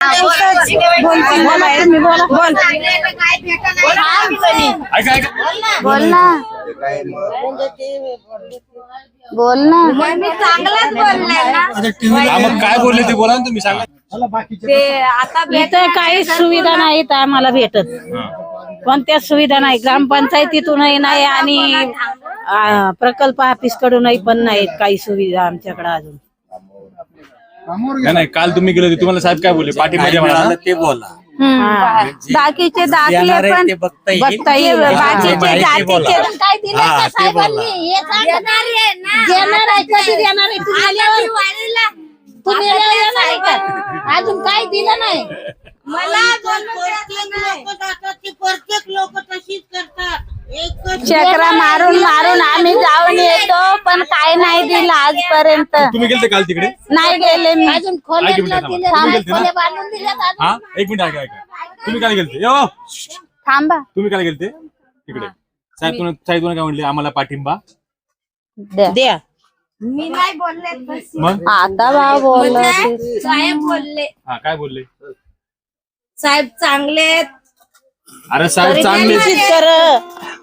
बोल ना बोल ना मी चांगलाच बोललाय ना. मग काय बोलले ते बोला ना तुम्ही सांगा. ते आता इथं काही सुविधा नाहीत आम्हाला भेटत. कोणत्याच सुविधा नाही, ग्रामपंचायतीतूनही नाही आणि प्रकल्प ऑफिस कडूनही पण नाहीत काही सुविधा आमच्याकडे अजून. नाही काल तुम्ही गेले होते, तुम्हाला साहेब काय बोलले? पाठीमध्ये मिळालं ते बोला. बाकीचे दाखले पण बघता बघता येईल. बाकीचे जातीचे काय दिलं का साहेबांनी? हे सांगा. देणार आहे, कधी देणार आहे? तुम्ही आल्यावर देणार आहे का? अजून काय दिलं नाही. मला प्रत्येक लोक तशीच करतात. चक्रा मारून मारून आम्ही जाऊन येतो, पण काय नाही दिलं आजपर्यंत. तुम्ही गेलते काल तिकडे? नाही गेले मी. अजून ऐक खोल्या मिनिट थांबा. दिल्या, तुम्ही गेलते ना? खोल्या बांधून दिल्यात अजून. हा एक मिनिट ऐका. तुम्ही काय गेलते? यो थांबा. तुम्ही काय गेलते तिकडे? साहेब तुम्हाला काय म्हणले? आम्हाला पाठिंबा द्या. मी नाही बोलले. मग आता भाव बोलला साहेब बोलले, हा काय बोलले? साहेब चांगले अरे साहेब चांगले कर